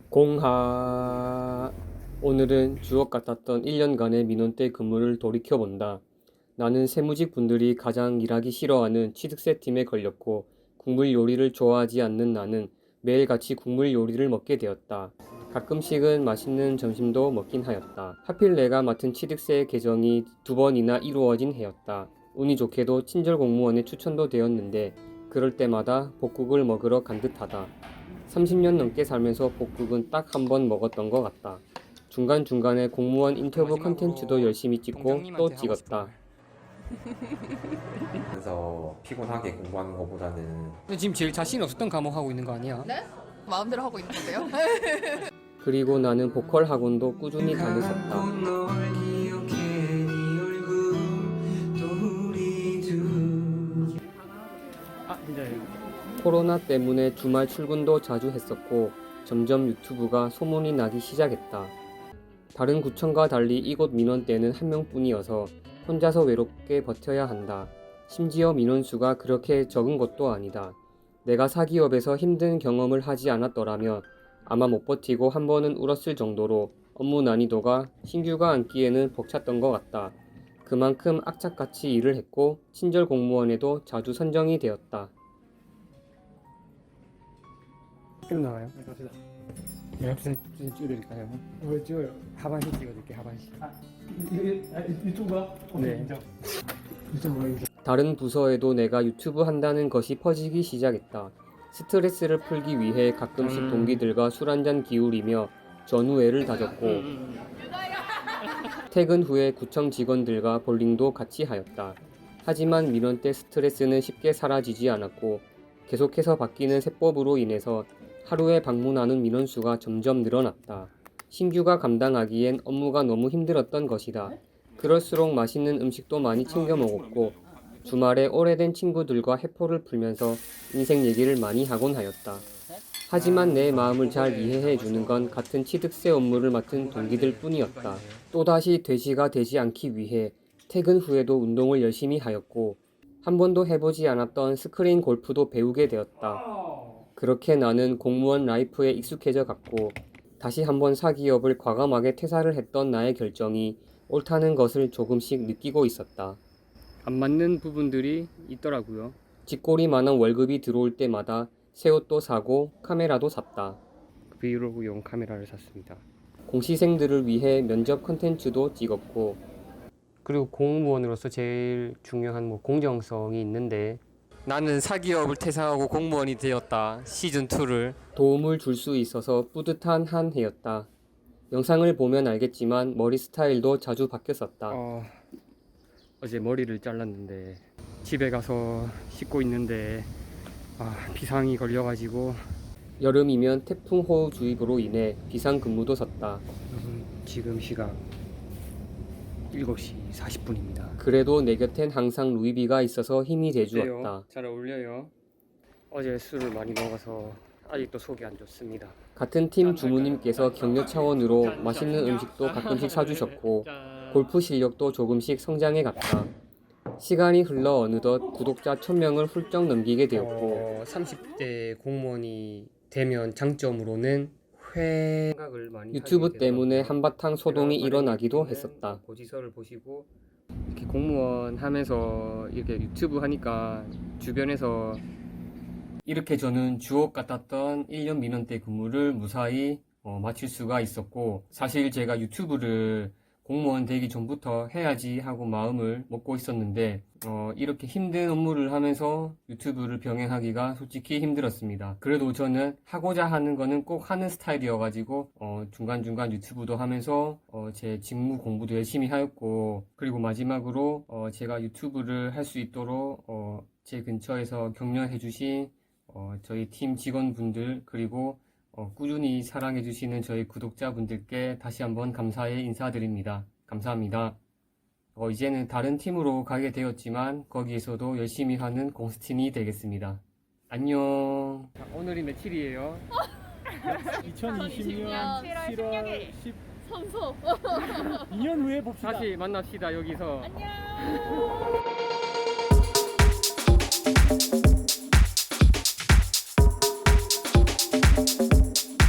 공하. 오늘은 주옥 같았던 1년간의 민원 때 근무를 돌이켜본다. 나는 세무직 분들이 가장 일하기 싫어하는 취득세 팀에 걸렸고 국물 요리를 좋아하지 않는 나는 매일같이 국물 요리를 먹게 되었다. 가끔씩은 맛있는 점심도 먹긴 하였다. 하필 내가 맡은 취득세 개정이 2번이나 이루어진 해였다. 운이 좋게도 친절 공무원의 추천도 되었는데 그럴 때마다 복국을 먹으러 간 듯하다. 30년 넘게 살면서 복국은 딱 한 번 먹었던 것 같다. 중간중간에 공무원 인터뷰 컨텐츠도 열심히 찍고 또 찍었다. 그래서 피곤하게 공부하는 것보다는 근데 지금 제일 자신 없었던 과목 하고 있는 거 아니야? 네? 마음대로 하고 있는 건데요. 그리고 나는 보컬 학원도 꾸준히 다녔었다. 코로나 때문에 주말 출근도 자주 했었고 점점 유튜브가 소문이 나기 시작했다. 다른 구청과 달리 이곳 민원대는 한 명뿐이어서 혼자서 외롭게 버텨야 한다. 심지어 민원수가 그렇게 적은 것도 아니다. 내가 사기업에서 힘든 경험을 하지 않았더라면 아마 못 버티고 한 번은 울었을 정도로 업무 난이도가 신규가 앉기에는 벅찼던 것 같다. 그만큼 악착같이 일을 했고 친절 공무원에도 자주 선정이 되었다. film 나와요? 네, 갑시다. 네, 합산 찍어드릴까요? 왜 찍어요? 하반신 찍어드릴게요, 하반신. 유튜브가? 네. 인정. 유튜브가 인정. 다른 부서에도 내가 유튜브 한다는 것이 퍼지기 시작했다. 스트레스를 풀기 위해 가끔씩 동기들과 술 한잔 기울이며 전우회를 다졌고 퇴근 후에 구청 직원들과 볼링도 같이 하였다. 하지만 민원 때 스트레스는 쉽게 사라지지 않았고 계속해서 바뀌는 세법으로 인해서 하루에 방문하는 민원수가 점점 늘어났다. 신규가 감당하기엔 업무가 너무 힘들었던 것이다. 그럴수록 맛있는 음식도 많이 챙겨 먹었고 주말에 오래된 친구들과 해포를 풀면서 인생 얘기를 많이 하곤 하였다. 하지만 내 마음을 잘 이해해 주는 건 같은 취득세 업무를 맡은 동기들 뿐이었다. 또다시 돼지가 되지 않기 위해 퇴근 후에도 운동을 열심히 하였고 한 번도 해보지 않았던 스크린 골프도 배우게 되었다. 그렇게 나는 공무원 라이프에 익숙해져 갔고 다시 한번 사기업을 과감하게 퇴사를 했던 나의 결정이 옳다는 것을 조금씩 느끼고 있었다. 안 맞는 부분들이 있더라고요. 쥐꼬리만한 월급이 들어올 때마다 새 옷도 사고 카메라도 샀다. 브이로그용 카메라를 샀습니다. 공시생들을 위해 면접 컨텐츠도 찍었고 그리고 공무원으로서 제일 중요한 공정성이 있는데 나는 사기업을 퇴사하고 공무원이 되었다. 시즌2를 도움을 줄 수 있어서 뿌듯한 한 해였다. 영상을 보면 알겠지만 머리 스타일도 자주 바뀌었었다. 어제 머리를 잘랐는데 집에 가서 씻고 있는데 비상이 걸려가지고 여름이면 태풍 호우주의보로 인해 비상근무도 섰다. 지금 시각 7시 40분입니다. 그래도 내 곁엔 항상 루이비가 있어서 힘이 돼주었다. 잘 어울려요. 어제 술을 많이 먹어서 아직도 속이 안 좋습니다. 같은 팀 주무님께서 격려 차원으로 맛있는 음식도 가끔씩 사주셨고 골프 실력도 조금씩 성장해 갔다. 시간이 흘러 어느덧 구독자 1000명을 훌쩍 넘기게 되었고 30대 공무원이 되면 장점으로는 생각을 많이 유튜브 때문에 한바탕 소동이 일어나기도 했었다. 고지서를 보시고 이렇게 공무원 하면서 이렇게 유튜브 하니까 주변에서 이렇게 저는 주옥 같았던 1년 민원 때 근무를 무사히 마칠 수가 있었고 사실 제가 유튜브를 공무원 되기 전부터 해야지 하고 마음을 먹고 있었는데 이렇게 힘든 업무를 하면서 유튜브를 병행하기가 솔직히 힘들었습니다. 그래도 저는 하고자 하는 거는 꼭 하는 스타일이어가지고 중간중간 유튜브도 하면서 제 직무 공부도 열심히 하였고 그리고 마지막으로 제가 유튜브를 할 수 있도록 제 근처에서 격려해주신 저희 팀 직원분들 그리고 꾸준히 사랑해주시는 저희 구독자분들께 다시 한번 감사의 인사드립니다. 감사합니다. 이제는 다른 팀으로 가게 되었지만 거기에서도 열심히 하는 공스틴이 되겠습니다. 안녕. 오늘이 며칠이에요? 2020년 7월 10일 선소. 2년 후에 봅시다. 다시 만납시다 여기서. 안녕.